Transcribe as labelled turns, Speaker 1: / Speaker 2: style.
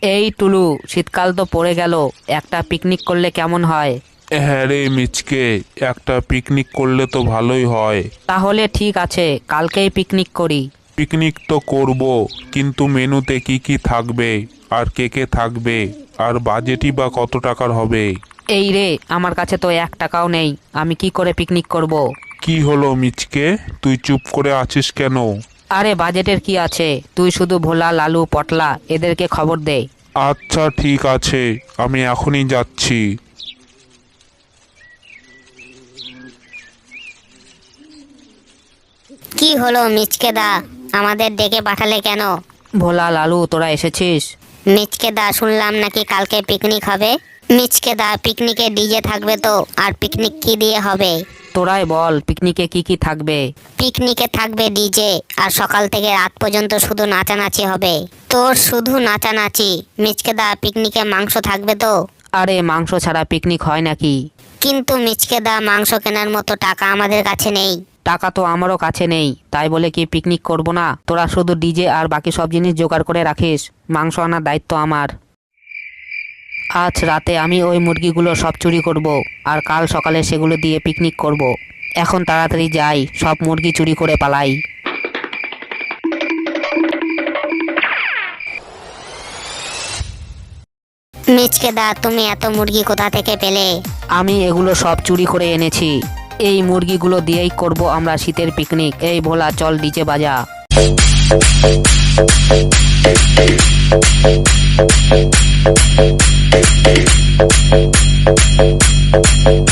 Speaker 1: এই টুলু, শীতকাল তো পড়ে গেল, একটা পিকনিক করলে কেমন হয়?
Speaker 2: হ্যাঁ রে মিচকে, একটা পিকনিক করলে তো ভালোই হয়।
Speaker 1: তাহলে ঠিক আছে, কালকেই পিকনিক করি।
Speaker 2: পিকনিক তো করব, কিন্তু মেনুতে কি কি থাকবে, আর কে কে থাকবে, আর বাজেটই বা কত টাকার হবে?
Speaker 1: এই রে, আমার কাছে তো 1 টাকাও নেই, আমি কি করে পিকনিক করব?
Speaker 2: কি হলো মিচকে, তুই চুপ করে আছিস কেন?
Speaker 1: আরে বাজেটের কি আছে, তুই শুধু ভোলা, লালু, পটলা এদেরকে খবর দে।
Speaker 2: আচ্ছা ঠিক আছে, আমি এখনই যাচ্ছি।
Speaker 3: কি হলো মিচকে দা, আমাদের ডেকে পাঠালে কেন?
Speaker 1: ভোলা, লালু, তোরা এসেছিস?
Speaker 3: মিচকে দা, শুনলাম নাকি কালকে পিকনিক হবে। মিচকে দা, পিকনিকে ডিজে থাকবে তো? আর পিকনিক কি দিয়ে হবে?
Speaker 1: তোরাই বল, পিকনিকে কি কি থাকবে?
Speaker 3: পিকনিকে থাকবে ডিজে, আর সকাল থেকে রাত পর্যন্ত শুধু নাচানাচি হবে। তোর শুধু নাচানাচি? মিচকে দা, পিকনিকে মাংস থাকবে তো?
Speaker 1: আরে মাংস ছাড়া পিকনিক হয় নাকি?
Speaker 3: কিন্তু মিচকে দা, মাংস কেনার মতো টাকা আমাদের কাছে নেই।
Speaker 1: টাকা তো আমারও কাছে নেই, তাই বলে কি পিকনিক করব না? তোরা শুধু ডিজে আর বাকি সব জিনিস জোগাড় করে রাখিস, মাংস আনার দায়িত্ব আমার। আজ রাতে আমি ওই মুরগিগুলো সব চুরি করব, আর কাল সকালে সেগুলো দিয়ে পিকনিক করব। এখন তাড়াতাড়ি যাই, সব মুরগি চুরি করে পালাই।
Speaker 3: মিচকে দা, তুমি এত মুরগি কোথা থেকে পেলে?
Speaker 1: আমি এগুলো সব চুরি করে এনেছি, এই মুরগিগুলো দিয়েই করব আমরা শীতের পিকনিক। এই ভোলা, চল ডিজে বাজা।